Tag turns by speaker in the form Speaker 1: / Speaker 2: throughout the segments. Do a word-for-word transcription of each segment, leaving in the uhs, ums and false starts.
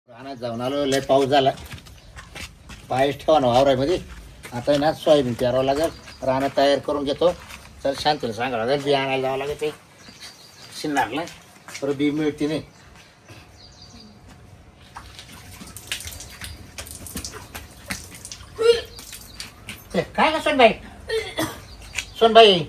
Speaker 1: रानात जाऊन आलो, लय पाऊस झाला. पायच ठेवा ना वावरामध्ये. आता ना सोयाबीन पेरावं लागेल. रानात तयार करून घेतो. तर शांतीला सांगावं लागेल, बी आणायला जावं लागेल. ते शिंदारला बरं बी मिळते नाही. ते काय का सोनबाई, सोनबाई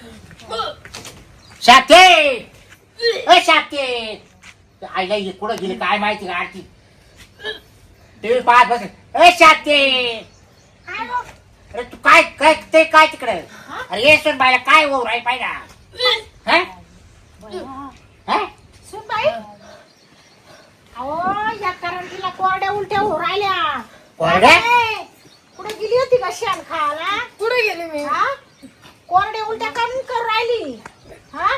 Speaker 1: शाते अ शाते आईला कुठं गेली काय माहिती का? आरती टीव्ही पाहत बस. ए शाते अरे तू काय काय ते काय तिकडे? अरे ये सोनबाईला काय होऊ राही पाहिजे हा हा
Speaker 2: सुनबाई, अहो या करंटीला कोरड्या उलट्या होऊ राहिल्या.
Speaker 1: कोरड्या?
Speaker 2: कुठे गेली होती का शेण खायला?
Speaker 3: कुठे गेले मी?
Speaker 2: हा? कोरड्या उलट्या करून कर राहिली. हा?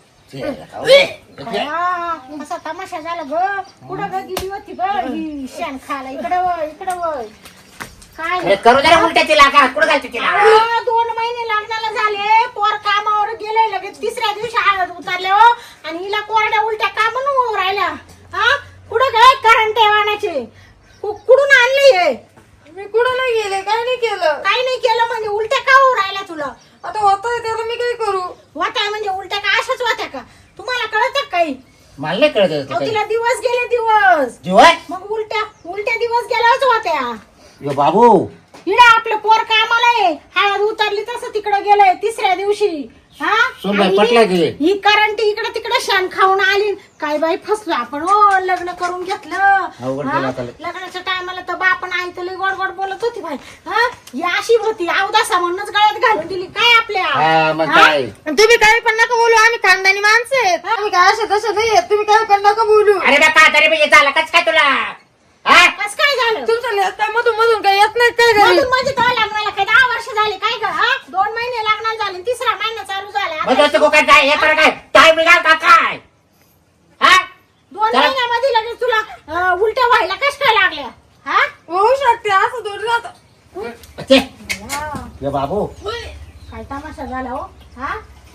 Speaker 2: हा, कसा तमाशा झाला ग. कुठं ग गेली होती ग ही शेण खायला? इकडं वळ, इकडं वळ. काय
Speaker 1: अरे करू जरा उलट्या तिला का कुठं घालते तिला?
Speaker 2: अहो, दोन महिने लग्नाला झाले, पोर कामावर गेले, लगेच तिसऱ्या दिवशी हळद उतरले हो. आणि हिला कोरड्या उलट्या का म्हणून होऊ राहिल्या? हा? कुठं काय करंट वाहण्याचे कुठून आणले हे?
Speaker 3: मी कुठं नाही गेले, काय नाही केलं.
Speaker 2: काही नाही केलं म्हणजे उलट्या का होऊ राहिल्या तुला?
Speaker 3: आता होतंय त्याला मी काय करू?
Speaker 2: वाट्या म्हणजे उलट्या का अशाच वाट्या का? तुम्हाला कळत काही?
Speaker 1: मला नाही कळत
Speaker 2: अहो,
Speaker 1: काही.
Speaker 2: तिला दिवस गेले दिवस,
Speaker 1: जीवन
Speaker 2: मग उलट्या उलट्या दिवस गेल्याच वाट्या.
Speaker 1: यो बाबू
Speaker 2: हिला आपलं पोर कामाला आहे, हळद उतरली तसं तिकडे गेलंय तिसऱ्या दिवशी. हा?
Speaker 1: सोनबाई
Speaker 2: आणि
Speaker 1: पटलं की?
Speaker 2: ही करंटी इकडे तिकडे शान खाऊन आली. काय बाई फसलो आपण हो. लग्न करून घेतलं.
Speaker 1: अवघड
Speaker 2: हा?
Speaker 1: केलं आता.
Speaker 2: लग्नाच्या टायमाला तर बापन आई तर लई गोड गोड बोलत होती बाई. हा? ही अशी होती अवदासा म्हणूनच गळ्यात घालून दिली काय आपल्या?
Speaker 1: हा मग
Speaker 2: हा?
Speaker 1: काय?
Speaker 3: आणि तुम्ही काय पण नका बोलू, आम्ही खानदानी माणसं आहेत. आम्ही काय असे तसे नाही आहेत, तुम्ही काय पण नका बोलू.
Speaker 1: अरे बा का तरी म्हणजे झालं कच काय तुला? हा
Speaker 2: कस काय झालं?
Speaker 3: तुमचं लेक काय मधून मधून काय येत नाही काय घरी?
Speaker 2: मधून म्हणजे तो लग्नाला काय दहा वर्ष झाले काय ग? हा? दोन महिने लग्नाला झाले, तिसरा महिना चालू झाला.
Speaker 1: मग दोस्त काय काय हे तर काय टाइम निघाल का काय? हा
Speaker 2: दोन
Speaker 1: चला.
Speaker 2: महिन्यामध्ये लगेच तुला अं, उलट्या व्हायला कश काय लागल्या? हा?
Speaker 3: होऊ शकते असं थोडी राहतं.
Speaker 1: ते
Speaker 2: हा.
Speaker 1: यो बाबू
Speaker 2: काय तमाशा झाला हो. हा?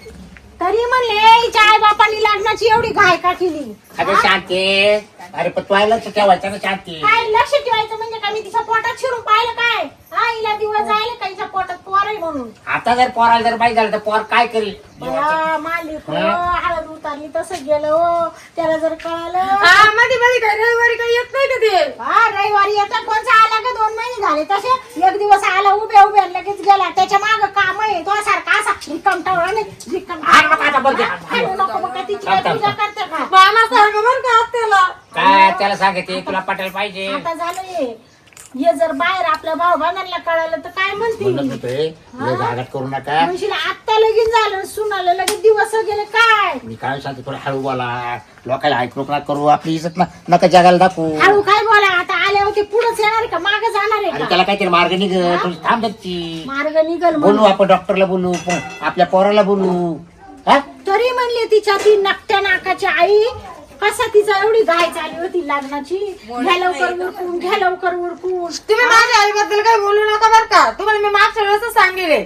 Speaker 2: तरी म्हणले हिच्या आई बापांनी लग्नाची एवढी घाय का केली?
Speaker 1: अरे
Speaker 2: हा?
Speaker 1: शांती. अरे पण तू लक्ष ठेवायचं ना शांती.
Speaker 2: काय लक्ष ठेवायचं म्हणजे काय? मी तिच्या पोटात शिरून पाहिलं काय? हा, हिला दिवस जायला का हिच्या पोटात पोर आहे म्हणून?
Speaker 1: आता जर पोराला जर माहिती झालं तर पोर काय करेल?
Speaker 2: बया, मालिक हो,
Speaker 1: हा?
Speaker 2: हळद उतारली तसं गेलं हो. त्याला जर कळालं.
Speaker 3: हा मध्ये मध्ये काय रविवारी काही येत नाही का ते?
Speaker 2: हा, रविवारी येतात. कोणचा आला का? दोन महिने झाले तसे. एक दिवस आला उभ्या उभ्या लगेच गेला. त्याच्या माग काम आहे तो सारखा असा रिकाम टावळा नाही रिकाम.
Speaker 1: हाण नको आता बोलते.
Speaker 2: हाणू नको मग. काय तिची काय पूजा करते का?
Speaker 3: मामासारखं बरं का त्याला.
Speaker 1: काय त्याला सांगते तुला पटायला पाहिजे.
Speaker 2: आता झालं हे. हे जर बाहेर आपल्या भाऊ बंधांना कळालं तर काय
Speaker 1: म्हणत
Speaker 2: म्हणतील?
Speaker 1: होतोय लय घागाट करू नका.
Speaker 2: म्हणशील आत्ता लगीन झालं, सुनाला लगेच दिवस गेले काय?
Speaker 1: मी काय सांगते थोडं हळू बोला. लोकांना ऐकू नका करू. आपली इज्जत ना नका जगाला दाखवू.
Speaker 2: हळू काय बोला. आता आले होते पुढेच येणार का माग जाणार आहे
Speaker 1: अरे
Speaker 2: का?
Speaker 1: त्याला काहीतरी मार्ग निघ. थोडी थांब दच्ची.
Speaker 2: मार्ग निघल
Speaker 1: बोलू
Speaker 2: म्हणून.
Speaker 1: आपण डॉक्टरला बोलू पण आपल्या पोराला बोलू. हा
Speaker 2: तरी म्हणले तिच्या ती नकट्या नाकाची आई कसा तिचा एवढी घाय झाली होती लग्नाची. घ्या लवकर उरकून, घ्या लवकर उरकून.
Speaker 3: तुम्ही माझ्या आईबद्दल काय बोलू नका बरं का. तुम्हाला मी मागच्या वेळेस सांगितले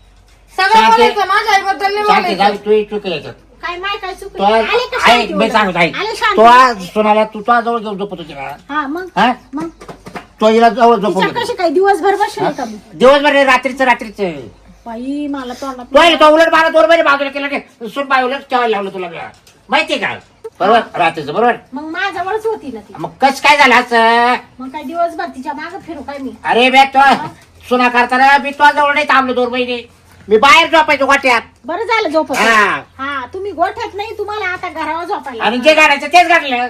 Speaker 3: सगळं
Speaker 1: शांती.
Speaker 3: बोलायचं, माझ्या आईबद्दल नाही
Speaker 1: शांती
Speaker 3: बोलायचं.
Speaker 1: जाऊ तू चुक याच्यात.
Speaker 2: काय माय काय
Speaker 1: तो
Speaker 2: चुकलं? आले का
Speaker 1: आहे
Speaker 2: शांती
Speaker 1: मी
Speaker 2: उलट?
Speaker 1: सांगतो आहे
Speaker 2: आले
Speaker 1: तो
Speaker 2: शांती.
Speaker 1: आज सोनाला तू तो जवळ घेऊन झोपत होती का?
Speaker 2: हा मग
Speaker 1: हा
Speaker 2: मग
Speaker 1: तो हिला जवळ
Speaker 2: तिच्या
Speaker 1: झोपत
Speaker 2: कशी काय दिवसभर बसले का मी?
Speaker 1: दिवसभर रे, रात्रीचं रात्रीचं
Speaker 2: बाई मला तोंडात
Speaker 1: तो आहे, तो उलट बारा दोन महिने बाजूला केलं की सुट बाय उलट ठेवायला लावलं तुला मी. माहितीये का? बरोबर रात्रीचं बरोबर.
Speaker 2: मग माझ्यावरच होती ना ती.
Speaker 1: मग कस काय झालं असं?
Speaker 2: मग काय दिवसभर तिच्या माग फिरू काय मी?
Speaker 1: अरे बे तो सुना करताना मी तो जवळ नाही थांबलो दोन महिने. मी बाहेर झोपायचो गोट्यात.
Speaker 2: बरं झालं झोपत.
Speaker 1: हा.
Speaker 2: हा, तुम्ही गोठ्यात नाही, तुम्हाला आता घरावर झोपायला.
Speaker 1: आणि जे गाडायचं तेच गाडलं.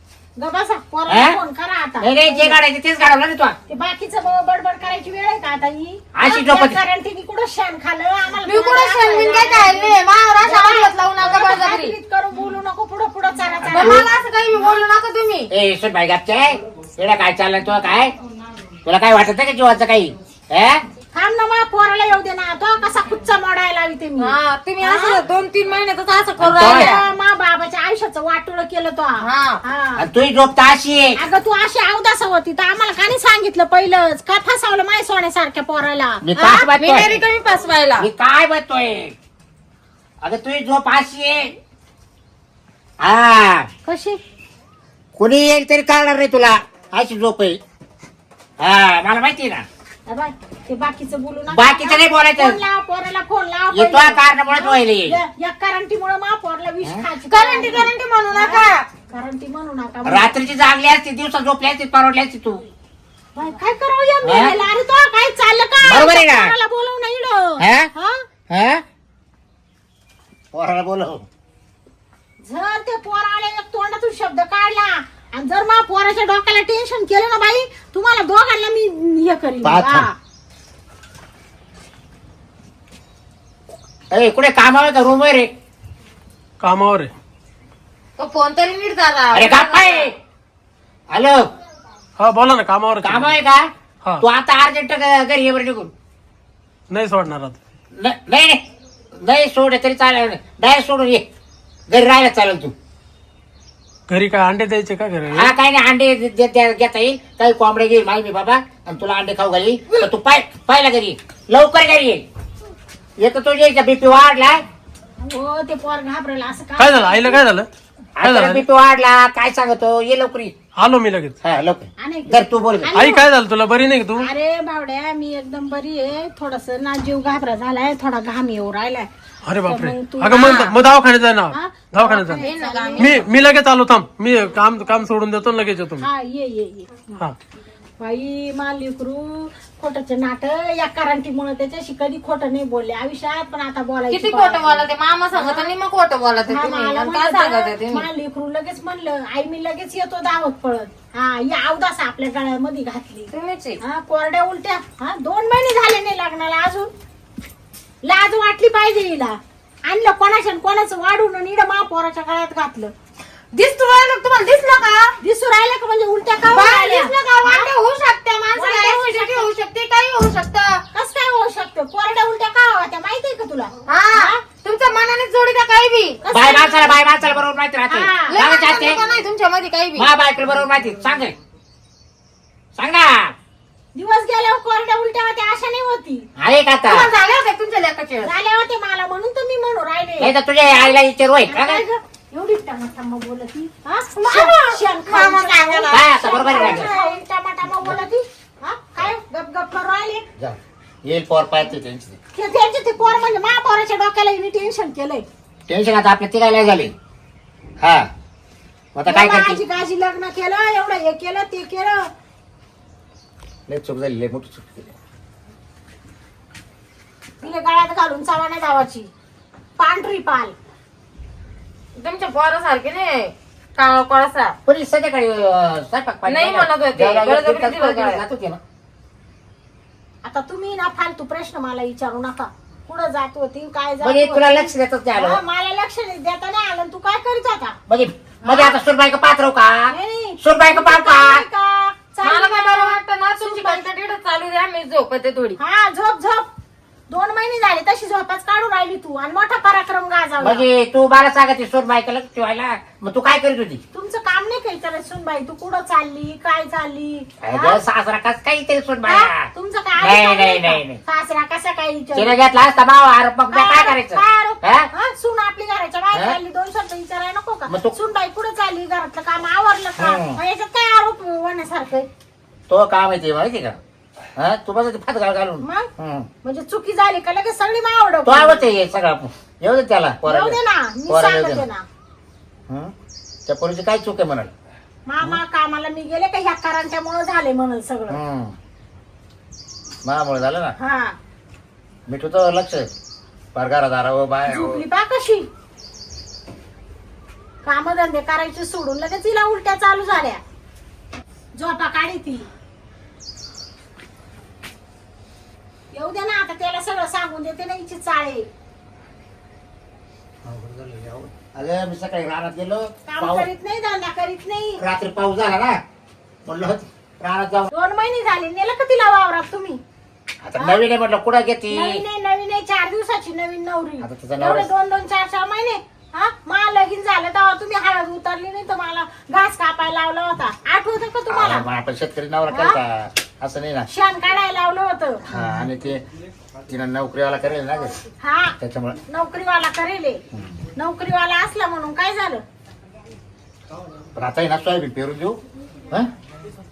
Speaker 2: गबासा पोराला
Speaker 1: हा?
Speaker 2: फोन करा आता.
Speaker 1: नाही नाही, जे गाडायचं तेच गाडवलं ना तो.
Speaker 2: ते बाकीचं ब- बडबड करायची वेळ आहे का आता ही?
Speaker 1: अशी झोपत-
Speaker 2: कारण तिने कुठं शान खाल्लं आम्हाला.
Speaker 3: मी कुठं शेणबिन काय खायले महाराज आवाज लावू नका बळजबरी.
Speaker 2: हात-बीत करून बोलू नको पुढं पुढं चारा
Speaker 3: बरं,
Speaker 2: चारा.
Speaker 3: मला असं काही बोलू नका तुम्ही.
Speaker 1: ए सुट बाई गापचे एवढा काय चाललंय तुला काय? तुला काय वाटत नाही का जीवाचं काही? हे?
Speaker 2: थांब ना मग पोराला येऊ दे ना. तो कसा कुच्चा मोडायला लावी ते मी.
Speaker 3: हा तुम्ही असं दोन तीन महिन्यातच असं करू
Speaker 1: आणि तो-
Speaker 3: राहिल्या.
Speaker 2: मा बाबाच्या आयुष्याचं वाटोळ केलं तो.
Speaker 3: हा.
Speaker 2: हा.
Speaker 1: आणि तुही झोप तर अशी आहे.
Speaker 2: अगं तू अशी अवदासा होती तर आम्हाला का नाही सांगितलं पहिलंच? का फसावलं माय सोन्यासारख्या पोराला?
Speaker 1: मी
Speaker 2: हा?
Speaker 1: काय
Speaker 3: मी नाही
Speaker 1: बघतोय?
Speaker 3: कमी फसवायला.
Speaker 1: मी काय बघतोय? अगं तुही झोप अशी आहे. हा
Speaker 2: कशी?
Speaker 1: कोणी येईल तरी कळणार नाही तुला. अशी झोप आहे. हा मला माहिती आहे ना.
Speaker 2: ए बाय, ते बाकीचं बोलू नका.
Speaker 1: बाकीचं नाही बोलायचं.
Speaker 2: फोन लाव, पोराला फोन लाव.
Speaker 1: येतो कारणामुळेच व्हायला येईल.
Speaker 2: या या करंटीमुळे मा पोरला विष खायची.
Speaker 3: करंटी करंटी म्हणू नका.
Speaker 2: करंटी म्हणू नका.
Speaker 1: रात्रीची जागली असती, दिवसा झोपली असती, परवडली असती तू.
Speaker 2: बाय, काय करावं या
Speaker 1: हा?
Speaker 2: मेलेला? अरे तो काय चाललं का?
Speaker 1: बरोबर आहे ना?
Speaker 2: पोराला बोलवू नाही इकडं.
Speaker 1: हा?
Speaker 2: हा?
Speaker 1: हा? पोराला बोलव.
Speaker 2: जर ते पोराला एक तोंडातून शब्द काढला आणि जर मा पोराच्या डोक्याला टेन्शन केलं ना बाई, तुम्हाला दोघांना मी हे करीन.
Speaker 1: पाहत
Speaker 2: हा.
Speaker 1: ए कुठे कामावर का रूम रे?
Speaker 4: कामावर आहे.
Speaker 3: तो फोन तरी नीट झाला.
Speaker 1: अरे गप्पा आहे. हॅलो
Speaker 4: हा बोला ना, कामावर आहे.
Speaker 1: काम आहे का?
Speaker 4: हा.
Speaker 1: तू आता अर्जंट घरी ये बरं निघून.
Speaker 4: नाही सोडणार आता.
Speaker 1: न- नाही नाही नाही सोड तरी चालेल. डायरेक्ट सोडून ये. घरी राहायला चालेल तू.
Speaker 4: घरी काय अंडे द्यायचे का घरी?
Speaker 1: हा काही नाही अंडे दे- दे- दे- घेता येईल. काही कोंबडे घेईल माही मी बाबा आणि तुला अंडे खाऊ घाली. तर तू पाय पाहिला घरी ये. लवकर घरी ये. एक तर तुझ्या बीपी वाढलाय.
Speaker 2: हो ते पोर घाबरेल असं
Speaker 4: काय झालं आईला? काय झालं? काय झालं?
Speaker 1: बीपी वाढला काय सांगतो. ये लवकर ये.
Speaker 4: आलो मी लगेच.
Speaker 1: हा लवकर.
Speaker 2: आणि
Speaker 1: जर तू बोल गं.
Speaker 4: आई काय झालं तुला? बरी नाही का तू?
Speaker 2: अरे बावड्या, मी एकदम बरी आहे. थोडस ना जीव घाबरा झालाय, थोडा घाम येऊ राहिलाय.
Speaker 4: अरे बापरे.
Speaker 2: तर मग तू-
Speaker 4: अगं मग मग दवाखान्यात जाय ना.
Speaker 2: हा?
Speaker 4: दवाखान्यात जा.
Speaker 2: ये ना गं.
Speaker 4: मी मी लगेच आलो. थांब, मी काम काम सोडून देतो आणि लगेच येतो मी.
Speaker 2: हा ये ये ये
Speaker 4: हा.
Speaker 2: बाई मालिकरू खोटच नाट या करंटीमुळे त्याच्याशी कधी खोटं नाही बोलले आयुष्यात, पण आता बोलायची
Speaker 3: किती खोटं बोला ते मामा सांगत आणि मग खोटं बोला ते
Speaker 2: हा,
Speaker 3: तुम्ही.
Speaker 2: मला
Speaker 3: आणि काय सांगत
Speaker 2: म्हणलं,
Speaker 3: तुम्ही?
Speaker 2: मला लेकरू लगेच म्हणलं आई मी लगेच येतो दावत पळत. हा या अवदास आपल्या गळ्यामध्ये घातली.
Speaker 3: तुम्हीच आहे.
Speaker 2: हा कोरड्या उलट्या. हा दोन महिने झाले नाही लग्नाला अजून. लाज वाटली पाहिजे हिला. आणलं कोणाच्या कोणाचं वाढून आणि इडं महापोराच्या गळ्यात घातलं.
Speaker 3: दिसतो राहिलं तुम्हाला दिसलं का?
Speaker 2: दिसू राहिलं का म्हणजे उलट्या का
Speaker 3: बाळ
Speaker 2: राहिल्या?
Speaker 3: दिसलं का? वांदे होऊ शकते
Speaker 2: वांदे
Speaker 3: माणसाला.
Speaker 2: होऊ
Speaker 3: ऍसिडिटी
Speaker 2: शकते.
Speaker 3: होऊ शकते, काही होऊ शकतं.
Speaker 2: कसं काय होऊ शकतं? कोरड्या उलट्या का होत्या माहितीये का तुला?
Speaker 3: हा तुमच्या मनाने जोडी का काही बी.
Speaker 2: कसं
Speaker 1: बाय
Speaker 2: काय?
Speaker 1: माणसाला बाय माणसाला बरोबर माहिती राहते.
Speaker 2: हा.
Speaker 3: लय
Speaker 1: मला
Speaker 3: माणसाचं
Speaker 1: जाते.
Speaker 3: का नाही तुमच्यामध्ये काही बी.
Speaker 1: मा बायकडे बरोबर माहिती. सांग रे. सांग ना.
Speaker 2: दिवस गेल्यावर कोरड्या उलट्या होत्या अशा नाही होती.
Speaker 1: आहे का आता?
Speaker 3: तुम्हाला झाले होते तुमच्या लेखाचे?
Speaker 2: झाल्या होते मला म्हणून तर मी म्हणू राहिले.
Speaker 1: नाही तर तुझ्या आईला विचार होय का?
Speaker 2: काय गं? एवढी टमाटामा बोलती. हा?
Speaker 3: मामा.
Speaker 2: शेण
Speaker 3: मामा
Speaker 2: खाऊन
Speaker 3: सांगायला.
Speaker 1: काय आता बरोबर आहे का?
Speaker 2: खाऊन टमाटामा बोलती. हा? काय गप गप करू राहिले?
Speaker 1: जा. येईल पोर पाहते त्यांची.
Speaker 2: ते- त्यांचे ते पोर म्हणजे महापौराच्या डोक्याला हिने टेन्शन केलंय.
Speaker 1: टेन्शन आता आपल्या तिघायला झाले. हा मग आता काय
Speaker 2: एवढं
Speaker 1: करते?
Speaker 2: आजी गाजी लग्न केलं, एवढं हे केलं ते केलं.
Speaker 1: लय चूक झाली. लय मोठी चूक केली.
Speaker 2: तिने गळ्यात घालून चव्हाण्या गावाची पांढरी पाल.
Speaker 3: तुमच्या पोरासारखे नाही काळा कोळसा.
Speaker 1: पण संध्याकाळी अं, स्वयंपाक पाणी
Speaker 3: नाही
Speaker 1: केला.
Speaker 3: म्हणत होते.
Speaker 1: जेवायला
Speaker 3: बळजबरी
Speaker 1: गेलं,
Speaker 3: दिलं
Speaker 1: तिथं
Speaker 3: काय?
Speaker 1: जात होते ना.
Speaker 2: आता तुम्ही ना फालतू प्रश्न मला विचारू नका. कुठं जात होती काय जात
Speaker 1: म्हणजे
Speaker 2: होती?
Speaker 1: तुला लक्ष देतच नाही
Speaker 2: हा,
Speaker 1: आलं.
Speaker 2: मला लक्ष नाही देता नाही आलं. तू काय करीत होता?
Speaker 1: म्हणजे म्हणजे आता सुरबाई का पात्र हो का?
Speaker 2: नाही.
Speaker 1: सुरबाई का पाहू
Speaker 2: चालली
Speaker 1: का?
Speaker 2: का? चालली
Speaker 3: मला काय
Speaker 2: का?
Speaker 3: बरं वाटतं ना तुमची कंटडीड चालू द्या, मी झोपते थोडी.
Speaker 2: हा झोप झोप. दोन महिने झाले तशी झोपाच काढून राहिली तू आणि मोठा पराक्रम गाजवला.
Speaker 1: म्हणजे तू मला सांगते सुरबाई का लक्ष ठेवायला. मग तू काय करीत होती?
Speaker 2: तुमचं काम नाही काही तर सुनबाई तू कुठं चालली काय चालली? हा?
Speaker 1: अगं, सासरा कस काही तरी सुरबाई.
Speaker 2: हा? तुमचं काय
Speaker 1: नाही,
Speaker 2: आधी
Speaker 1: नाही,
Speaker 2: चाललंय
Speaker 1: नाही,
Speaker 2: का?
Speaker 1: नाही.
Speaker 2: सासरा कसा काय विचार?
Speaker 1: तिने घेतला असता भाव आरोप मग काय करायचं?
Speaker 2: काय आरोप?
Speaker 1: हा?
Speaker 2: हा? सून आपली घराच्या बाहेर
Speaker 1: हा?
Speaker 2: चालली दोन शब्द विचारायला नको का?
Speaker 1: मग तू-
Speaker 2: सूनबाई कुठं चालली घरातलं काम आवरलं का?
Speaker 1: हम्म.
Speaker 2: मग याच्यात काय आरोप होण्यासारखं आहे?
Speaker 1: तो काम येते माहिती का? हा तू बस फात घाल घालून.
Speaker 2: मग
Speaker 1: हम्म.
Speaker 2: म्हणजे चुकी झाली का लगेच सगळी मावड
Speaker 1: तो आवडते हे सगळं. येऊ दे त्याला
Speaker 2: येऊ दे ना मी
Speaker 1: पोराला येऊ दे
Speaker 2: सांगते
Speaker 1: ना.
Speaker 2: ना.
Speaker 1: हं? त्या पोरीची काय चूक आहे म्हणाल.
Speaker 2: मामा कामाला मी गेले का ह्या करांच्यामुळे झाले म्हणून सगळं.
Speaker 1: महामुळे झालं ना.
Speaker 2: हा
Speaker 1: मिठू तर लक्ष पगारा दारा व बाय
Speaker 2: झोपली पा कशी. कामधंदे करायचे सोडून लगेच तिला उलट्या चालू झाल्या. झोपा काढी ती. येऊ दे ना आता त्याला सगळं सांगून देते ना हिची चाळे.
Speaker 1: अगं मी सकाळी रानात गेलो.
Speaker 2: काम
Speaker 1: पाऊस
Speaker 2: करीत नाही धंदा करीत नाही.
Speaker 1: रात्री पाऊस झाला ना म्हणलं रानात जाऊ.
Speaker 2: दोन महिने झाले नेलं का तिला वावरात तुम्ही?
Speaker 1: आता नवीन आहे म्हटलं कुठं घेते.
Speaker 2: नवीन आहे नवीन आहे चार दिवसाची नवीन नवरी.
Speaker 1: आता तिचा नवरा-
Speaker 2: एवढे दोन दोन चार चार महिने. हा मला लगीन झालं तेव्हा तुम्ही हळद उतरली नाही तर मला घास कापायला लावला होता. आठवतं का तुम्हाला?
Speaker 1: मग आपण शेतकरी नवरा
Speaker 2: हा?
Speaker 1: करता असं नाही ना.
Speaker 2: शान काढायला लावलं होतं.
Speaker 1: हा आणि ते तिनं नोकरीवाला करेल ना ग
Speaker 2: हा
Speaker 1: त्याच्यामुळे.
Speaker 2: नोकरीवाला करेल. नोकरीवाला असला म्हणून काय झालं?
Speaker 1: पण आता आहे ना सोयाबीन पेरून देऊ. हं?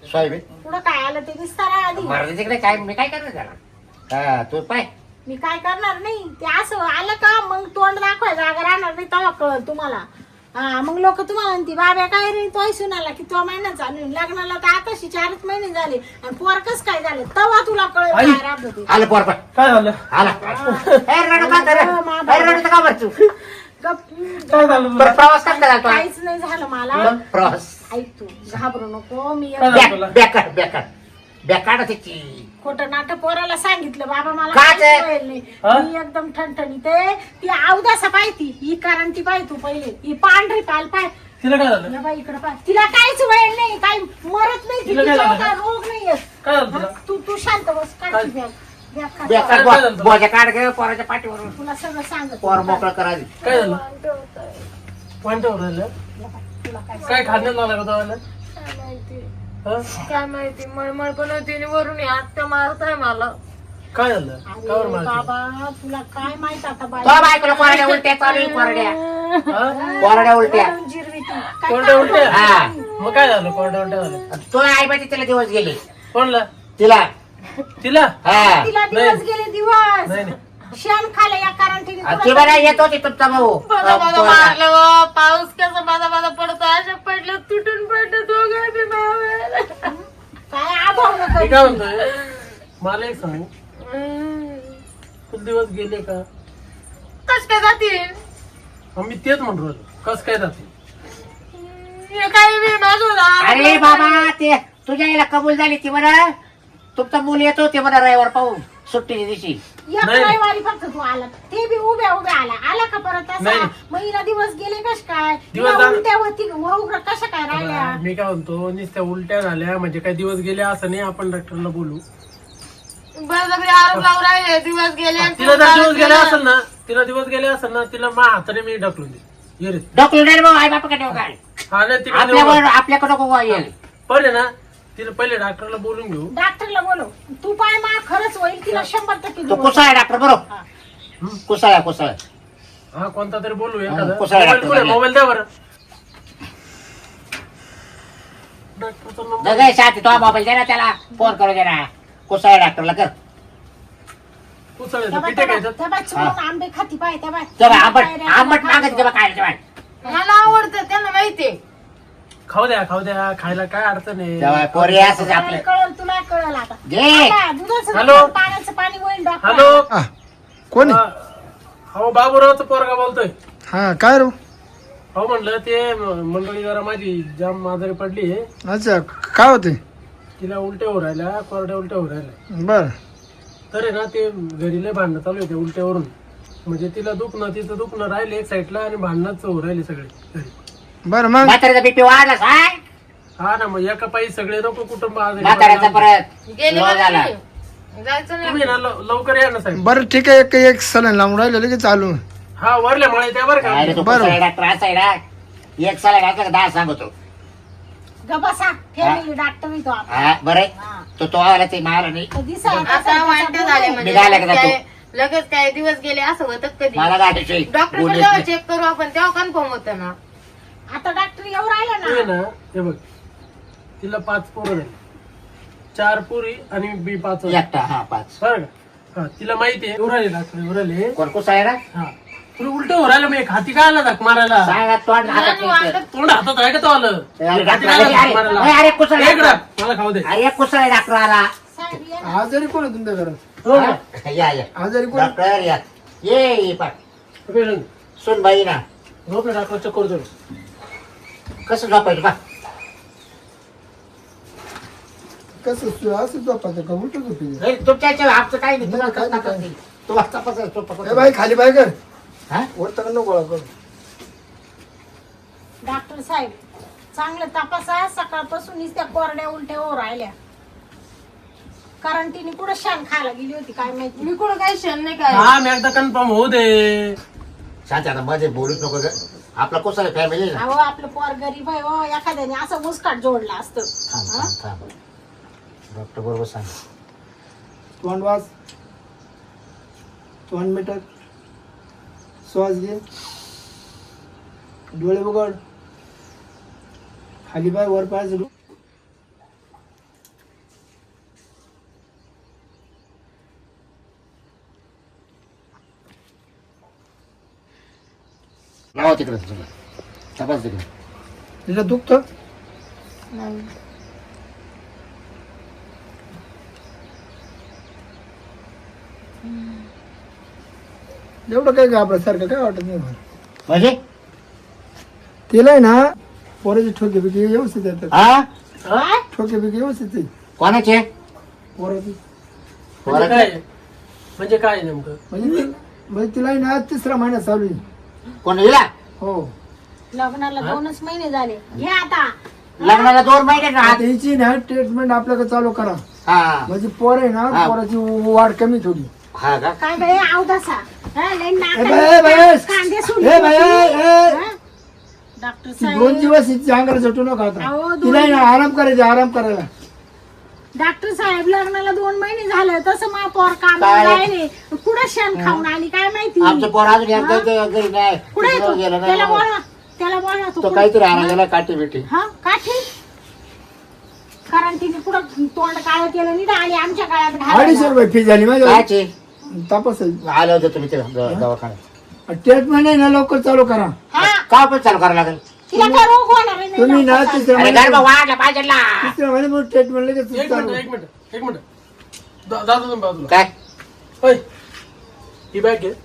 Speaker 1: सोयाबीन
Speaker 2: पुढं काय आलं ते विस्तारा आधी
Speaker 1: मारते तिकडे काय मी काय करणार त्याला हा तू पाय
Speaker 2: मी काय करणार नाही ते असं आलं का मग तोंड दाखवाय जागा राहणार नाही तेव्हा कळलं तुम्हाला. हा मग लोक तुम्हाला म्हणते बाब्या काय रे तो सुनाला की तो महिना चालू आहे. लग्नाला तर आताशी चारच महिने झाले आणि पोरकच काय झाले तेव्हा तुला कळलं
Speaker 4: आई.
Speaker 2: काय राहत होते.
Speaker 1: आलं पोर पाय
Speaker 4: काय झालं
Speaker 1: आला ए, रडू का तर? ए, रडू का बरं तू
Speaker 2: गप-
Speaker 4: काय झालं
Speaker 1: बरं, प्रवास करता झाला तो
Speaker 2: काहीच नाही झालं मला.
Speaker 1: मग प्रवास
Speaker 2: ऐक तू घाबरू नको मी
Speaker 4: काय झालं तुला?
Speaker 1: बॅकाड बॅकाड बॅकाड त्याची
Speaker 2: खोटं नाटक पोराला सांगितलं बाबा मला
Speaker 1: का
Speaker 2: काहीच
Speaker 1: ते?
Speaker 2: कळेल नाही.
Speaker 4: हा?
Speaker 2: मी एकदम ठणठणीत आहे. ती अवदासा पाहिती ही कारण ती पाय तू पहिले ही पांढरी पाल पाय
Speaker 4: तिला काय झालं
Speaker 2: या बाई इकडे पाय तिला काहीच वेळ नाही काही मरत नाही ती,
Speaker 4: तिला काय
Speaker 2: तिच्यावर
Speaker 4: झालं?
Speaker 2: काय रोग नाहीये.
Speaker 4: काय झालं तुला?
Speaker 2: तू तू शांत बस
Speaker 4: काय?
Speaker 2: काढ ती बॅग. बॅग काढ.
Speaker 1: बॅकाड
Speaker 4: काय झालं तुला?
Speaker 1: बोजा काढ घे पोराच्या पाठीवरून
Speaker 2: तुला सगळं सांगत
Speaker 1: पोर मोकळं करा आधी.
Speaker 4: काय झालं पॉइंटवर राहिलं
Speaker 2: तुला काय
Speaker 4: काय खाण्यात लागला का तुम्हाला
Speaker 3: काय माहिती
Speaker 4: हं?
Speaker 3: काय माहिती मळमळ पण होती आणि वरून आत्या मारताय मला.
Speaker 4: काय झालं कावर
Speaker 2: अरे
Speaker 4: मारते
Speaker 2: बाबा तुला काय माहित आता बाई
Speaker 1: तो बायकोला कोरड्या उलट्या चालू आहे, कोरड्या
Speaker 4: हं?
Speaker 1: कोरड्या उलट्या
Speaker 2: वरून जिरवी ती. काय
Speaker 4: कोरड्या उलट्या
Speaker 1: हा
Speaker 4: मग काय झालं कोरड्या उलट्या झालं
Speaker 1: तो आई बाई तिला दिवस गेले
Speaker 4: कोणला
Speaker 1: तिला
Speaker 4: तिला
Speaker 1: हा
Speaker 2: तिला दिवस
Speaker 4: नाही.
Speaker 2: गेले दिवस
Speaker 4: नाही नाही
Speaker 2: शेण खाले या कारण तिने
Speaker 1: आणि ती बघा येत होती तुमचा भाऊ
Speaker 3: बघा बघा मारलं हो. पाऊस कसा माझा माझा पडतो अशा पडलं तुटून पडलं दोघं बी मावेल.
Speaker 2: काय आभाव
Speaker 4: मी
Speaker 2: नको
Speaker 4: काय म्हणतोय मला एक सांग तुला दिवस गेले का
Speaker 3: कस काय जातील
Speaker 4: मग मी तेच म्हणतो राहिलो. कस काय जाते
Speaker 3: हे काय बी माझं
Speaker 1: अरे बाबा ते तुझ्या याला कबूल झाली ती म्हणा तुमचा मूल येतो ते म्हणा रविवार पाहून सुट्टीच्या दिवशी
Speaker 2: एक
Speaker 4: नाही.
Speaker 2: रविवारी फक्त तू आला ते बी उभ्या उभ्या आला आला का परत असा
Speaker 4: नाही.
Speaker 2: महिला दिवस गेले कश काय
Speaker 4: दिवस
Speaker 2: तिला
Speaker 4: झाले.
Speaker 2: उलट्या होती उग्र कशा काय राहिल्या
Speaker 4: मी काय म्हणतो नुसत्या उलट्या झाल्या म्हणजे काही दिवस गेले असं नाही आपण डॉक्टरला बोलू
Speaker 3: बळजबरी आरोप लावून राहिले दिवस गेले आणि
Speaker 4: तिला जर
Speaker 3: पुन्हा
Speaker 4: दिवस गेले
Speaker 3: गेलं.
Speaker 4: असेल ना तिला दिवस गेले असेल ना तिला मा हाताने मी ढकलून दे ये रे
Speaker 1: डॉक्टर नाही भाऊ आई बापा काय
Speaker 4: हा नाही तिकडे
Speaker 1: आपल्याकडे आपल्याकडे नको येईल
Speaker 4: पण आहे ना तिला पहिले डॉक्टरला बोलून घेऊ
Speaker 2: डॉक्टरला बोलो तू पाय मा खरंच होईल तिला शंभर टक्के
Speaker 1: तो
Speaker 2: दिवस.
Speaker 1: कुसाळा डॉक्टर बरोबर
Speaker 2: हा.
Speaker 1: कुसाळा कुसाळा
Speaker 4: हा कोणता तरी बोलू
Speaker 1: हा,
Speaker 4: एखादा
Speaker 1: कुसाळा
Speaker 4: मोबाईल
Speaker 1: डॉक्टर
Speaker 4: कुठे?
Speaker 1: झाला.
Speaker 4: मोबाईल द्या बरं डॉक्टरचा नंबर
Speaker 1: जगाय शांती तो मोबाईल दे ना त्याला फोन करू दे ना कुसाळा डॉक्टरला कर
Speaker 4: उचलायचं
Speaker 2: त्या बाई-
Speaker 4: पिठे
Speaker 2: त्या बाई-
Speaker 4: घ्यायचं
Speaker 2: त्या बाई चुकून आंबे खाती पाय त्या बाई.
Speaker 1: तेव्हा आंबट
Speaker 2: पायऱ्या,
Speaker 1: आंबट
Speaker 2: खायला.
Speaker 1: मागत तेव्हा काय तेव्हा
Speaker 3: मला आवडतं त्यांना माहितीये
Speaker 4: खाऊ द्या खाऊ द्या खायला काय अडचण
Speaker 1: तेव्हा
Speaker 4: आहे
Speaker 1: पोरी असंच
Speaker 2: तुला
Speaker 1: आपलं
Speaker 2: कळलं तुला कळलं आता
Speaker 1: घे
Speaker 2: आता दुधाचं
Speaker 4: हॅलो?
Speaker 2: दूध, पाण्याचं पाणी होईल डॉक्टर
Speaker 4: हॅलो
Speaker 5: हा, कोण आहे?
Speaker 4: हो बाबूरावचा पोरगा बोलतोय
Speaker 5: हा काय रो
Speaker 4: हो म्हणलं ते म- मंडळी जरा माझी जाम आजारी पडली
Speaker 5: अच्छा काय होते
Speaker 4: तिला उलट्या होऊ राहिल्या कोरड्या उलट्या होऊ राहिल्या
Speaker 5: बर
Speaker 4: तर आहे ना ते घरी लय भांडणं चालू होते उलट्यावरून म्हणजे तिला दुखणं तिचं दुखणं राहिले एक साईडला आणि भांडणच होऊ राहिले सगळे घरी
Speaker 5: बर मग
Speaker 1: म्हाताऱ्याचा बीपी वाढला सांग
Speaker 4: हा ना मग एका पायी सगळे नको कुटुंब आजारी
Speaker 1: म्हाताऱ्याचा
Speaker 4: पडले.
Speaker 1: परत
Speaker 3: गेले
Speaker 1: लो झाला
Speaker 3: म्हणजे. जायचं नाही
Speaker 4: तुम्ही ना लव- लवकर या ना साहेब
Speaker 5: बरं ठीक आहे एक एक सलन लावून राहिलं लगेच चालू
Speaker 4: हा वरल्या मळे त्या बरं
Speaker 1: अरे
Speaker 4: का
Speaker 1: तो
Speaker 5: बरं.
Speaker 1: कुसाळा डॉक्टर असा आहे ना एक साला घातला का दहा सांगतो
Speaker 2: गबसा फॅमिली डॉक्टर येतो आपण.
Speaker 1: हा बरं आहे.
Speaker 2: हा.
Speaker 1: तो तो आला ते मला नाही
Speaker 2: कधी सांग-
Speaker 3: आता वाईट झाले म्हणजे
Speaker 1: निघाले का
Speaker 3: काय- लगेच काय दिवस गेले असं होतं कधी
Speaker 1: मला गाठायची
Speaker 3: डॉक्टर
Speaker 1: बोलत
Speaker 3: जेव्हा
Speaker 1: नाही.
Speaker 3: चेक करू आपण तेव्हा कन्फर्म होतं ना
Speaker 2: आता डॉक्टर येऊ राहिला
Speaker 4: तू आहे
Speaker 2: ना
Speaker 4: ना हे बघ तिला पाच पोरं झाली चार पुरी आणि बी पाच
Speaker 1: एकटा हा पाच
Speaker 4: बरं का हा तिला माहिती आहे उराले डॉक्टर उराले
Speaker 1: कोण कुसाळा ना
Speaker 4: हा तुला उलट उरायला मी एक हाती काय आला धक मारायला
Speaker 1: सांगा तोंड हातात
Speaker 3: आणि
Speaker 1: घ्यायचं.
Speaker 3: वाटत-
Speaker 4: तोंड हातात आहे का तो आलं
Speaker 1: अरे,
Speaker 4: हाती
Speaker 1: डॉक्टर
Speaker 4: काय आला
Speaker 1: आले,
Speaker 4: धक
Speaker 1: अरे,
Speaker 4: मारायला?
Speaker 1: अरे, अरे, कुसाळा
Speaker 4: एक
Speaker 1: डॉक्टर.
Speaker 4: मला खाऊ दे
Speaker 1: अरे एक कुसाळा डॉक्टर आला
Speaker 2: साहेब ये ना.
Speaker 5: आजारी कोण आहे तुमच्या घरात
Speaker 4: हो का?
Speaker 1: हा? या या
Speaker 5: आजारी कोण
Speaker 1: डॉक्टर या ये ये पाठ
Speaker 4: पेशंट.
Speaker 1: सुन बाई ना
Speaker 4: झोप ना डॉक्टर चक्कर जोड
Speaker 1: कसं झोपायचं बा
Speaker 5: कसं सु- असं झोपायचं का उलट झोपायचं
Speaker 1: नाही, तुमच्या याच्यावर आमचं काही नाही तुम्हाला
Speaker 5: नाही,
Speaker 1: कसं
Speaker 5: काय
Speaker 1: नाही. तू वाचता पसायचं, तू पकडतो.
Speaker 5: ए बाई खाली बाय कर
Speaker 1: हा?
Speaker 5: वरता नको गोळा कर
Speaker 2: डॉक्टर साहेब चांगलं तपासा सकाळपासून त्या कोरड्या उलट्या हो राहिल्या कारण तिने कुठं शान खायला गेली होती काय माहिती
Speaker 3: मी कुठं काही क्षण नाही काय
Speaker 4: हा मी एकदा कन्फर्म होऊ दे
Speaker 1: शांत आता मध्ये बोलूच नको ग आपला कुसाळा फॅमिली ना
Speaker 2: अहो आपलं पोर गरीब आहे हो एखाद्याने असं मुस्काट जोडला असतं
Speaker 1: थांब थांब थांब डॉक्टर बरोबर सांग
Speaker 5: तोंड वाच तोंड मिटक श्वास घे डोळे उघड खाली बाय वर पाय
Speaker 1: लावा तिकडे तुला तपास तिकडे.
Speaker 5: तिला दुखतं
Speaker 3: नाही.
Speaker 5: एवढं काय घाबरल्यासारखं काय वाटत नाही मला.
Speaker 1: म्हणजे
Speaker 5: तिला आहे ना पोराची ठोके बिके व्यवस्थित येतात.
Speaker 1: हा
Speaker 2: काय?
Speaker 5: ठोके बिके व्यवस्थित आहे
Speaker 1: कोणाचे
Speaker 5: पोराची.
Speaker 4: म्हणजे काय म्हणजे काय नेमकं
Speaker 5: म्हणजे ती- म्हणजे तिला आहे ना तिसरा महिना चालू आहे.
Speaker 1: कोण हिला
Speaker 5: हो
Speaker 2: लग्नाला दोनच महिने झाले घे आता.
Speaker 1: लग्नाला दोन महिने ना
Speaker 5: आता हिची ना ट्रीटमेंट आपल्याकडे चालू करा.
Speaker 1: हा
Speaker 5: म्हणजे पोर आहे ना
Speaker 1: हा.
Speaker 5: पोराची वाढ कमी थोडी.
Speaker 1: हा का
Speaker 2: काय बाई अवदासा हा, लई
Speaker 5: ए
Speaker 2: नाकाला
Speaker 5: बाई, ए बाई,
Speaker 2: कांदे
Speaker 5: ए
Speaker 2: सोडले
Speaker 5: बाई,
Speaker 2: होते.
Speaker 5: ए.
Speaker 2: हा? डॉक्टर
Speaker 5: ती दोन
Speaker 2: साहेब
Speaker 5: दिवस हिची अंगाला झटू नका आता.
Speaker 2: अहो, दोन
Speaker 5: तिला आहे ना आराम करायचा आराम करायला.
Speaker 2: डॉक्टर साहेब लग्नाला दोन महिने झाले तसं मा पोर काम
Speaker 1: काय?
Speaker 2: राहिले कुठं शेण खाऊन आली काय माहिती
Speaker 1: आमचं पोर अजून एकदा इथं घरी नाही
Speaker 2: कुठे
Speaker 1: तिकडं
Speaker 2: येतो
Speaker 1: गेलं
Speaker 2: त्याला
Speaker 1: नाही
Speaker 2: बोला त्याला बोला
Speaker 1: तो काहीतरी आणा गेला काठी बिठी
Speaker 2: हा काठी कारण तिने कुठं तोंड काळ केलं नाही आणि आमच्या काळात
Speaker 5: अडीचशे
Speaker 2: घालायला.
Speaker 5: रुपये फी झाली माझ्या
Speaker 1: कायचे
Speaker 5: तपास
Speaker 1: आलं होतं तुम्ही ते द- दवाखान्यात
Speaker 5: ट्रीटमेंट आहे ना लवकर चालू करा.
Speaker 2: हा
Speaker 1: का पण चालू करावं लागेल
Speaker 2: तिला काय रोग होणार आहे नाही
Speaker 5: तुम्ही ना
Speaker 2: डॉक्टर साहेब.
Speaker 5: तिसऱ्या
Speaker 1: अरे
Speaker 5: महिन्यात
Speaker 1: गर्भ वाढला पाहिजे ना
Speaker 5: तिसऱ्या महिन्यात ट्रीटमेंट लगेच
Speaker 4: एक
Speaker 5: चालू.
Speaker 4: मिनिट एक मिनिट एक मिनिट दा- दादा तुम्ही बाजूला
Speaker 1: काय
Speaker 4: होय ही बॅग घे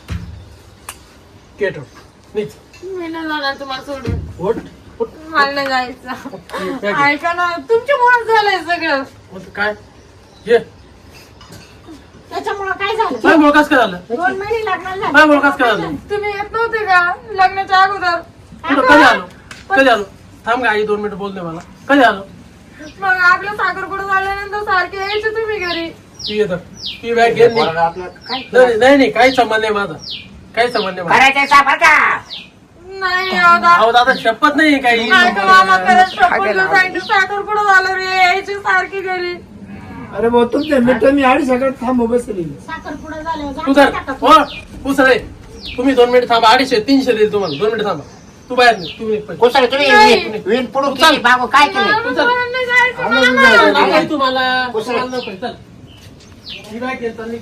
Speaker 4: गेट नीच
Speaker 3: मी नाही जाणार तुम्हाला सोडून.
Speaker 4: ओट ओट.
Speaker 3: मला नाही जायचं.
Speaker 4: ही bag घे.
Speaker 3: ऐका ना तुमच्यामुळे झालंय सगळं.
Speaker 4: मग काय ये
Speaker 2: त्याच्यामुळं काय झालं
Speaker 4: काय मुळकास काय झालं
Speaker 2: दोन महिने लग्नाला
Speaker 4: काय मुळकास काय झालं
Speaker 3: तुम्ही येत नव्हते का लग्नाच्या अगोदर?
Speaker 4: कुठं कधी आलो कधी आलो थांब का आई दोन मिनिटं बोलते मला कधी आलो
Speaker 3: मग आपलं साखरपुडा झाल्यानंतर सारखे यायचे तुम्ही घरी.
Speaker 4: ती येतं ती बॅग घे निघ.
Speaker 1: पोराला आपलं काय
Speaker 4: नाही नाही नाही काही संबंध नाही माझा काही संबंध नाही माझा.
Speaker 1: करायचं साफर का
Speaker 3: नाही दादा.
Speaker 4: अहो दादा शपथ नाही काही
Speaker 3: ऐका मामा खरंच शपथ घेऊन सांगितलं साखरपुडा झालं रे यायचे सारखी घरी.
Speaker 5: अरे भाऊ तुमच्या मित्र मी अडीच सकाळ थांबू बसली.
Speaker 2: साखरपुडा झाल्यावर
Speaker 4: तू जर
Speaker 2: जाता का?
Speaker 4: हो उसळे तुम्ही दोन मिनिट थांबा अडीचशे तीनशे देईल तुम्हाला दोन मिनिट थांबा तू बाहेर निघ, तू निघ पहिले.
Speaker 1: कुसळ तुम्ही
Speaker 3: नाही.
Speaker 1: विण- विण पुढून केली बाबू काय केली
Speaker 3: मला मला नाही जायचं
Speaker 5: आम्हाला
Speaker 3: मामा.
Speaker 5: जायचं.
Speaker 4: नाही काही तुम्हाला
Speaker 1: उसळे.
Speaker 4: तुम्हाला नको आहे, चल ही बॅग घे, चल निघ.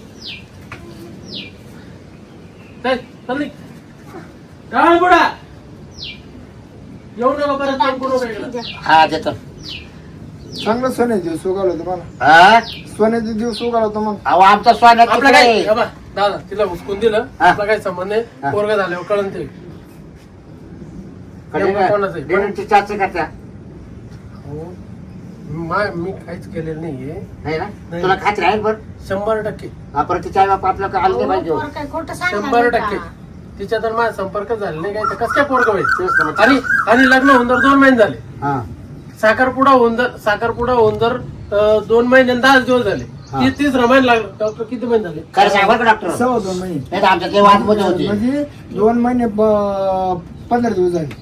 Speaker 4: चल चल निघ. काय बुडा येऊ नका परत फोन करू नका इकडं.
Speaker 1: हा देतो
Speaker 5: चांगलं सोन्याचे दिवस उगावला तुम्हाला.
Speaker 1: हा
Speaker 5: सोन्याचे दिवस उगावला तुम्हाला.
Speaker 1: अहो आमचा स्वान
Speaker 4: आपलं काय हे बघ, दादा तिला उचकून दिलं
Speaker 1: हा.
Speaker 4: आपला काही संबंध नाही
Speaker 1: हा.
Speaker 4: पोरगा झाल्यावर कळण ते नेमकं कोणाचं आहे?
Speaker 1: डेव्हिडची चाचणी करत्या
Speaker 4: हो. मा- मी काहीच केलेलं नाहीये
Speaker 1: नाही ना
Speaker 4: नाही.
Speaker 1: तुला खात्री आहे बरं
Speaker 4: शंभर टक्के
Speaker 1: आपण तिच्या बाप आपलं काय आलं नाही पाहिजे
Speaker 2: पोर काय खोटं सांगणार
Speaker 4: शंभर
Speaker 2: नाही
Speaker 4: टक्के
Speaker 2: का?
Speaker 4: तिच्या तर माझा संपर्क झाला नाही काय तर कसं काय पोरग होईल
Speaker 1: तेच तर मग.
Speaker 4: आणि आणि लग्न होऊन जर दोन महिने झाले
Speaker 1: हा
Speaker 4: साखरपुडा होऊन जर साखरपुडा होऊन जर अं, दोन महिने आणि दहा दिवस झाले
Speaker 1: हा.
Speaker 4: ती तिसरा महिना लागला डॉक्टर किती महिने झाले
Speaker 1: खरं सांग बरं का डॉक्टर
Speaker 5: सव्वा दोन महिने.
Speaker 1: नाही तर आमच्या ते वाद मध्ये होती
Speaker 5: म्हणजे दोन महिने प- पंधरा दिवस झाले.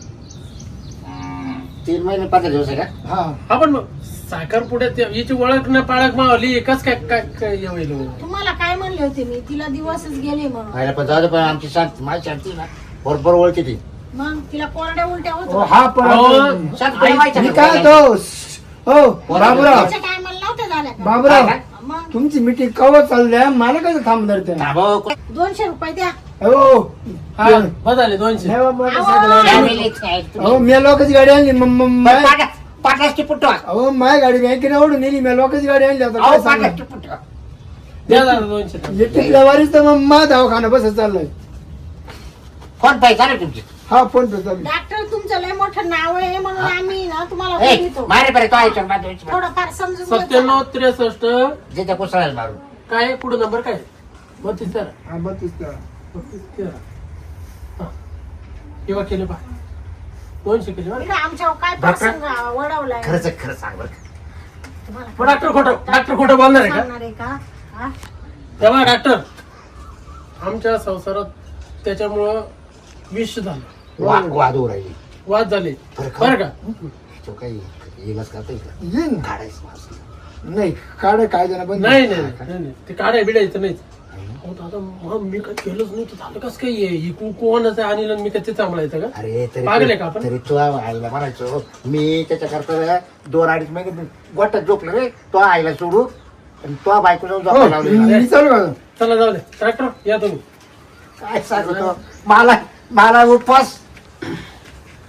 Speaker 1: तीन महिने पंधरा दिवस आहे का
Speaker 5: हा
Speaker 4: हा पण मग साखरपुड्यात हिची ओळख न पाळख मावली कस काय काय काय हे होईल हो?
Speaker 2: तुम्हाला काय म्हणले होते मी तिला दिवसच गेले म्हणून
Speaker 1: आयला पण जाऊ दे पण आमची शांती माझी शांती ना बरोबर ओळखी ती
Speaker 2: मग तिला कोरड्या उलट्या
Speaker 5: हो,
Speaker 2: होत
Speaker 5: हा पण
Speaker 4: अहो,
Speaker 1: शांत तुला माहिती
Speaker 5: मी
Speaker 1: आहे
Speaker 5: काय
Speaker 1: का?
Speaker 5: तो हो बाबूराव
Speaker 2: टायमाला नव्हत्या झाल्या का?
Speaker 5: बाबूराव
Speaker 1: काय?
Speaker 2: मग
Speaker 5: तुमची मिटिंग कवा चालल्या मला कसं थांबणार त्या
Speaker 1: थांबव.
Speaker 2: दोनशे रुपये द्या
Speaker 5: हो हा.
Speaker 4: बस झाले दोनशे
Speaker 5: नाही बाबा,
Speaker 2: अहो.
Speaker 5: सगळं-
Speaker 1: फॅमिलीच आहे तुम्ही.
Speaker 5: अहो मी लोकांची गाडी आणली म- म-
Speaker 1: बरं,
Speaker 5: मा-
Speaker 1: पाटा- पाटाची पुट्टो
Speaker 5: अहो माझी गाडी बँकेने ओढून नेली मी लोकांची गाडी आणली आता काय
Speaker 1: अहो
Speaker 5: सांगणार?
Speaker 1: पाटाची पुट्टो
Speaker 4: द्या दादा दोनशे
Speaker 5: इलेक्ट्रिकला वारीच तर मग मा दवाखाना बस चाललाय.
Speaker 1: फोन पे झाले तुमचे
Speaker 5: हा फोन पे चालू
Speaker 2: डॉक्टर तुमचं लय मोठं नाव आहे म्हणून आम्ही ना तुम्हाला
Speaker 1: ए,
Speaker 2: बोलवतो.
Speaker 1: मारे बरे तो आयच्या बाद द्यायची.
Speaker 2: थोडंफार समजून घेतो.
Speaker 4: सत्त्याण्णव त्रेसष्ट
Speaker 1: जिथे कुसळायला मारून
Speaker 4: काय पुढे नंबर काय बत्तीस तेरा
Speaker 5: हा बत्तीस तेरा.
Speaker 4: बत्तीस तेरा हा. किंवा केले पा दोनशे केले बरं
Speaker 2: इकडं आमच्यावर काय
Speaker 1: डॉक्टर?
Speaker 2: प्रसंग वडवलाय
Speaker 1: खरंच आहे, खरं सांग बरं
Speaker 2: तुम्हाला
Speaker 4: मग डॉक्टर खोटं डॉक्टर खोटं बोलणार आहे का
Speaker 2: सांगणार आहे का हा?
Speaker 4: तेव्हा डॉक्टर आमच्या संसारात त्याच्यामुळं विष झालं
Speaker 1: वा- वाद होऊ राहिली
Speaker 4: वाद झाले
Speaker 1: बरं का?
Speaker 4: बरं का
Speaker 1: तो काही येईलच का आता इकडं?
Speaker 5: येईन
Speaker 1: काढायचं मास्क.
Speaker 5: नाही काढ काय जण पण
Speaker 4: नाही नाही नाही, नाही ते काढाय बिडायचं नाहीच अहो दादा मग मी काय केलंच नाही तर झालं कसं काय हे? ही कु- कोणाचं आहे आणि मी काय ते सांभाळायचं का
Speaker 1: अरे तरी
Speaker 4: पागल आहे का आपण?
Speaker 1: तरी तू आईला म्हणायचो मी त्याच्याकरता दोन अडीच महिने गोट्यात झोपलो रे तो आईला सोडू आणि तो बायको जाऊन
Speaker 5: हो,
Speaker 1: झोपायला लावली
Speaker 5: मी चालू का
Speaker 4: चला जाऊ दे डॉक्टर या तुम्ही
Speaker 1: काय सांगतो मला मला उपवास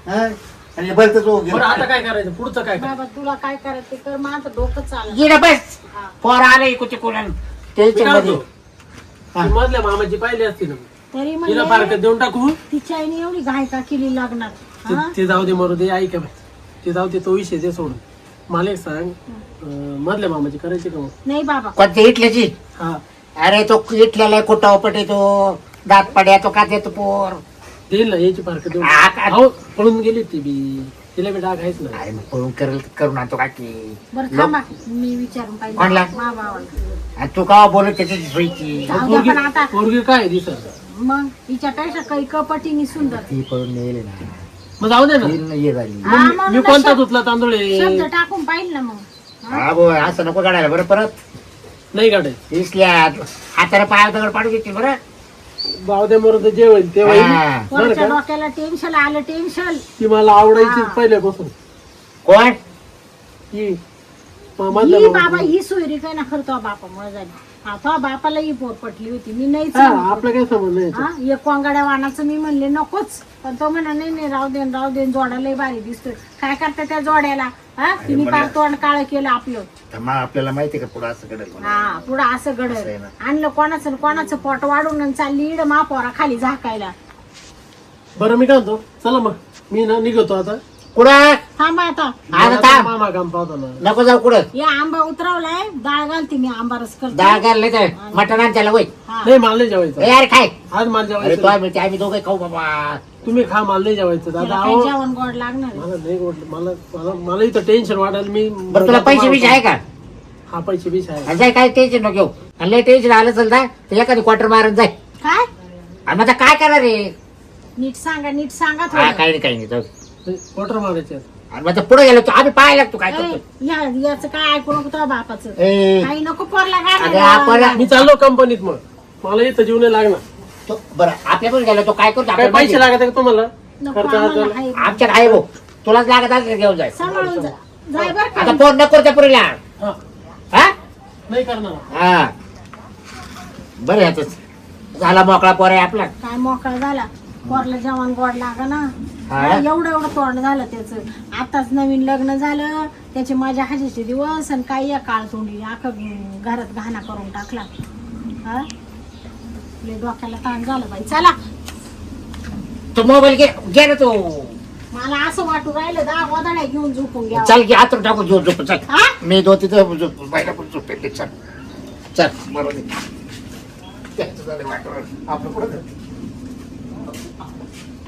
Speaker 1: हा? आणि बरं तर तो
Speaker 4: बरं आता काय करायचं पुढचं काय करायचं
Speaker 2: बाबा तुला काय करायचं ते कर माझं डोकं चालत
Speaker 1: गेला बस पोर आलं इकू तिकून
Speaker 4: मी
Speaker 1: टेन्शन
Speaker 4: काय
Speaker 1: मध्ये
Speaker 4: म्हणतो?
Speaker 1: हा.
Speaker 4: ती मधल्या मामाची पाहिली असती ना
Speaker 2: तरी
Speaker 4: तिला
Speaker 2: म्हणजे
Speaker 4: फारकत देऊन टाकू
Speaker 2: तिच्या आईने एवढी घाय का केली लग्नात
Speaker 4: ते-
Speaker 2: हा?
Speaker 4: ते जाऊ दे मरू दे ऐका बाई ते जाऊ दे तो विषय ते सोडून मला एक सांग अं, मधल्या मामाची करायची का मग
Speaker 2: नाही बाबा
Speaker 1: कोणत्या इटल्याची
Speaker 4: हा
Speaker 1: अरे तो इटल्याला कुठं उपटे तो दात पड्या तो का देतो पोर
Speaker 4: देईल ना याची फारकत देऊन
Speaker 1: आ, का-
Speaker 4: अहो पळून गेली ती बी तिला बी डाग आहेच ना
Speaker 1: अरे मग पळून करेल करून आणतो का की
Speaker 2: बरं थांबा मी विचारून
Speaker 1: कोणला?
Speaker 2: पाहिजे मा भावाला
Speaker 1: आणि तू का बोलत त्याची सोयीची
Speaker 2: जाऊ द्या पण आता
Speaker 4: पोरगी काय दिसत
Speaker 2: मग हिच्यापेक्षा काही कपटीनी सुंदर
Speaker 1: ती पळून नेले ना
Speaker 4: मग जाऊ दे ना
Speaker 1: ती न ये झाली
Speaker 2: हा,
Speaker 4: मग
Speaker 2: म्हणून
Speaker 4: मी कोणता
Speaker 2: शब्द-
Speaker 4: धुतला तांदूळ आहे?
Speaker 2: शब्द टाकून पाहिजे ना मग हा?
Speaker 1: हा बो असं नको काढायला बरं परत
Speaker 4: नाही गाडे
Speaker 1: इसल्या हाताला पाया दगड पाडू घेतील बरं
Speaker 4: जाऊ दे मरू दे जे होईल ते होईल
Speaker 1: हा.
Speaker 4: बरं
Speaker 2: वरच्या
Speaker 4: का
Speaker 2: डोक्याला टेन्शन आलं टेन्शन
Speaker 4: ती मला आवडायची
Speaker 2: हा.
Speaker 4: पहिल्यापासून
Speaker 1: कोण
Speaker 4: ही म- मधल्या
Speaker 2: ही
Speaker 4: मामाची.
Speaker 2: बाबा ही सोयरी काय ना खरं तो बापामुळे झाली हा तो बापाला ही पोर पटली होती मी नाहीच
Speaker 4: हा
Speaker 2: म्हणत.
Speaker 4: आपलं काय समज नाही
Speaker 2: हा एक कोंगाड्या वाणाचं मी म्हणले नकोच पण तो म्हणा नाही नाही राहू देन राहू देन जोडा लय भारी दिसतोय काय करता त्या जोड्याला हा तिने पार तोंड काळ केलं आपलं
Speaker 1: तर मग आपल्याला माहिती का पुढं असं घडेल म्हणून.
Speaker 2: हा पुढं असं
Speaker 1: असं आहे
Speaker 2: घडलं
Speaker 1: ना.
Speaker 2: आणलं कोणाचं न कोणाचं पोट वाढून आणि चालली इड महापौरा खाली झाकायला
Speaker 4: बरं मी काय म्हणतो चला मग मी ना निघतो आता
Speaker 1: कुठं
Speaker 2: थांबा आता
Speaker 1: आता थांब
Speaker 4: मामा काम पाहतो ना
Speaker 1: नको जाऊ कुठं
Speaker 2: या आंबा उतरवलाय डाळ घालते मी आंबा रस करते
Speaker 1: डाळ घालले तर मटण आण त्याला वय
Speaker 2: हा.
Speaker 4: नाही मला नाही जेवायचं
Speaker 1: ए, अरे खाय
Speaker 4: आज मला
Speaker 1: अरे
Speaker 4: जेवायचं
Speaker 1: तो
Speaker 4: नाही.
Speaker 1: आम्ही आम्ही दोघे खाऊ बाबा
Speaker 4: तुम्ही खा मला नाही जेवायचं दादा
Speaker 2: त्याला काही
Speaker 4: अहो
Speaker 2: जेवण गोड लागणार आहे.
Speaker 4: मला नाही वाटलं मला मला मला इथं टेन्शन वाटायला मी
Speaker 1: बरं तुला पैसे बिशे आहे का
Speaker 4: हा पैसे बीस आहे
Speaker 1: आणि जाय काय टेन्शन नको घेऊ आणि लय टेन्शन आलं चल जा तर एखादी क्वार्टर मारून जाय
Speaker 2: काय
Speaker 1: आणि मग आता काय करणार रे
Speaker 2: नीट सांगा नीट सांगा
Speaker 1: हा
Speaker 2: थोडं
Speaker 1: काही नाही काही नाही जाऊ दे.
Speaker 4: क्वार्टर मारायचे आहेत.
Speaker 1: आणि मग पुढे गेलो तो आम्ही पाहायला लागतो काय
Speaker 2: ए,
Speaker 1: करतो
Speaker 2: या याचं काय ऐकू नको तुझ्या बापाचं
Speaker 1: ए
Speaker 2: काही नको पोरला
Speaker 1: अगं, आपण-
Speaker 4: मी चाललो कंपनीत मग मला इथं जीव नाही लागणार
Speaker 1: तो बरं आपल्या पण गेलो तो काय करतो
Speaker 4: काय
Speaker 1: आपल्याला
Speaker 4: पैसे
Speaker 1: माहिती.
Speaker 4: लागत आहे का तुम्हाला
Speaker 2: नको
Speaker 4: खर्च
Speaker 2: आम्हाला
Speaker 4: अर्जाला?
Speaker 2: आहे.
Speaker 1: आमच्यात आहे भाऊ तुलाच लागत असेल तर घेऊन जाय
Speaker 2: सांभाळून जा जाय बर का
Speaker 1: आता फोन नको त्या पुरीला
Speaker 4: हा,
Speaker 1: हा
Speaker 4: नाही करणार
Speaker 1: हा बरं याच झाला मोकळा पोर आहे आपला
Speaker 2: काय मोकळा झाला पोरला जेवण गोड लागा ना
Speaker 1: हा?
Speaker 2: एवढं एवढं तोंड झालं त्याचं आताच नवीन लग्न झालं त्याचे माझ्या हाजीचे दिवस आणि काही या काळ तोंडी अख्खं घरात घाणा करून टाकला हा लय डोक्याला ताण झालं बाई चला
Speaker 1: तो मोबाईल घे घे ना तो
Speaker 2: मला असं वाटू राहिलं दहा गोदाड्या घेऊन झोपून घ्या
Speaker 1: चल की आतून टाकू झोप झोप चल
Speaker 2: हा
Speaker 1: मी दो तिथं झोप बायला पण झोपेल चल चल बरोबर त्याचं झालं वाटोळं. आपलं पुढं